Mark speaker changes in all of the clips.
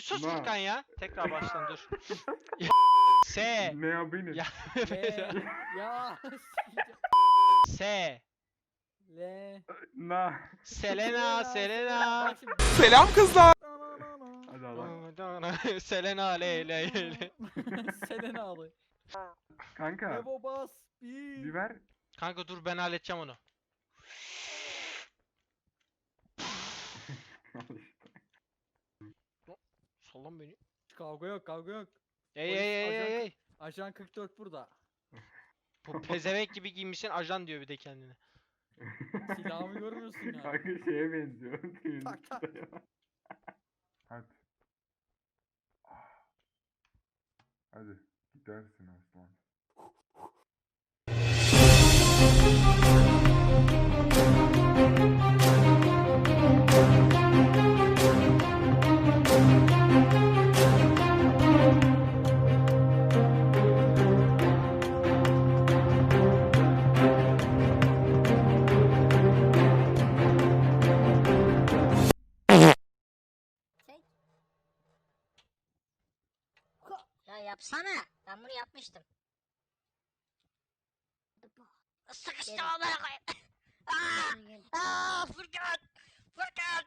Speaker 1: sus
Speaker 2: Na.
Speaker 1: Furkan ya. Tekrar baştan dur. S.
Speaker 2: Ne ya benim?
Speaker 1: Ya.
Speaker 3: Ya.
Speaker 1: S.
Speaker 3: Le.
Speaker 2: Na.
Speaker 1: Selena, Selena.
Speaker 3: Bak şimdi.
Speaker 4: Selam kızlar.
Speaker 2: Hadi Allah.
Speaker 1: Selena le le le.
Speaker 3: Selena abi.
Speaker 2: Kanka
Speaker 3: Evo bas.
Speaker 2: bir ver.
Speaker 1: Kanka dur ben halledeceğim onu. Sallan beni.
Speaker 3: Kavga yok, kavga yok.
Speaker 1: Ey
Speaker 3: Polis,
Speaker 1: ey ey
Speaker 3: ajan-
Speaker 1: ey ey.
Speaker 3: Ajan 44 burada.
Speaker 1: Bu pezevenk gibi giymişsin ajan diyor bir de kendine.
Speaker 3: Silahımı görmüyorsun ya.
Speaker 2: Kanka şeye benziyor.
Speaker 3: Tak, tak.
Speaker 2: Hadi. Hadi gidersin aslan.
Speaker 5: Ya yapsana. Ben bunu yapmıştım. Sıkıştım amına koyayım. Furkan! Furkan!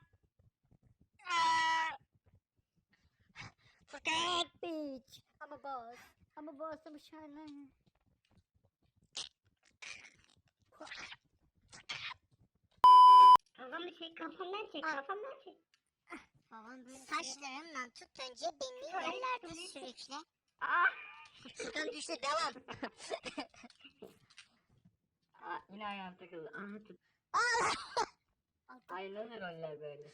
Speaker 5: Furkan!
Speaker 6: Bitch. I'm a boss. I'm a boss. I'm a shining.
Speaker 5: Kafamı çek, kafamdan çek, kafamdan çek. Saçlarımdan tut önce beni yerlerde sürükle. Furkan düştü, devam.
Speaker 7: Yine ayağım takıldı. Aha tut. Ayrılan roller böyle.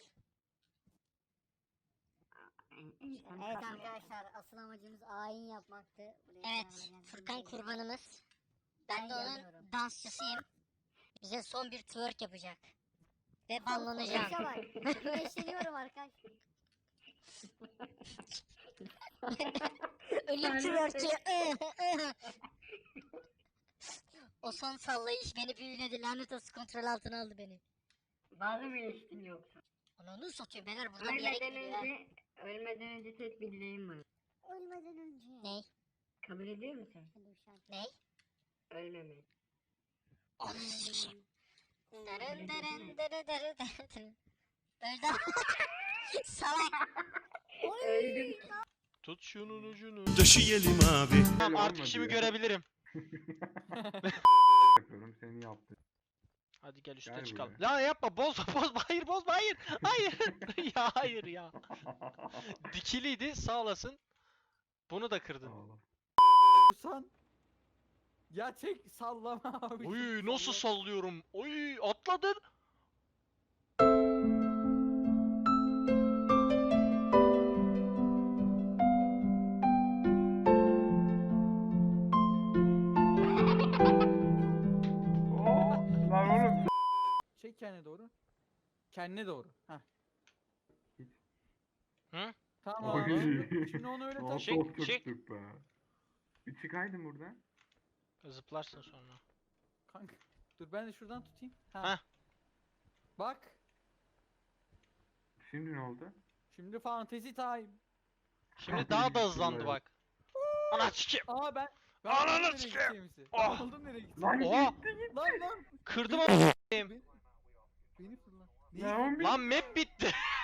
Speaker 6: Evet arkadaşlar asıl amacımız ayin yapmaktı. Buraya
Speaker 5: Evet,
Speaker 6: kadar geldik.
Speaker 5: Furkan kurbanımız. Ben de
Speaker 6: Ben
Speaker 5: onun
Speaker 6: yanıyorum.
Speaker 5: dansçısıyım. Bize son bir twerk yapacak. Ve banlanacağım.
Speaker 6: Yaşa bak. Güneşleniyorum arkadaşlar.
Speaker 5: Ölüm twerk'i. O son sallayış beni büyüledi. Lanet olsun, kontrol altına aldı beni.
Speaker 7: Bazı mı ilişkin yoksa?
Speaker 5: Onu satıyor beyler, burada bir yere
Speaker 7: Ölmeden önce tek bir dileğim var.
Speaker 6: Ölmeden önce.
Speaker 5: Ne?
Speaker 7: Kabul ediyor musun?
Speaker 6: Hadi bu şarkı.
Speaker 5: Ne?
Speaker 7: Ölmemeyi.
Speaker 5: Onu sikeyim. Darın darın darı darı darı. Öldü. Salak.
Speaker 7: Öldüm.
Speaker 1: Tut şunun ucunu.
Speaker 4: Taşıyalım abi.
Speaker 1: Tamam
Speaker 2: Öyle
Speaker 1: artık
Speaker 2: olmadı
Speaker 1: işimi
Speaker 2: ya.
Speaker 1: görebilirim.
Speaker 2: Yapıyorum seni yaptım.
Speaker 1: Hadi gel üste
Speaker 2: Gel
Speaker 1: çıkalım.
Speaker 2: buraya.
Speaker 1: La yapma bozma bozma hayır bozma hayır. Hayır. Ya hayır ya. Dikiliydi sağ olasın. Bunu da kırdın.
Speaker 2: Ağla.
Speaker 3: San. Ya çek sallama abi.
Speaker 1: Oy nasıl sallıyorum. Oy atladın.
Speaker 2: Oo, lan oğlum.
Speaker 3: Çek kendine doğru. Kendine doğru. Heh.
Speaker 1: Hı?
Speaker 3: Tamam.
Speaker 2: Oy.
Speaker 3: Şimdi onu öyle tak.
Speaker 2: Nasıl
Speaker 1: Çek,
Speaker 2: oturttuk
Speaker 1: çek.
Speaker 2: be. Bir çıkaydın buradan.
Speaker 1: Zıplarsın sonra.
Speaker 3: Kanka. Dur ben de şuradan tutayım.
Speaker 1: Heh.
Speaker 3: Bak.
Speaker 2: Şimdi ne oldu?
Speaker 3: Şimdi fantasy time.
Speaker 1: Şimdi daha da hızlandı bak. Ana sikeyim.
Speaker 3: Aa ben.
Speaker 1: Ananı
Speaker 3: anladım nereye
Speaker 1: sikeyim.
Speaker 3: gideceğimizi.
Speaker 1: Ah.
Speaker 3: Anladım nereye gideceğimizi.
Speaker 2: Lan
Speaker 1: Oha.
Speaker 3: Lan lan.
Speaker 1: Kırdım ama.
Speaker 3: Beni fırla.
Speaker 2: Lan
Speaker 1: Lan map bitti.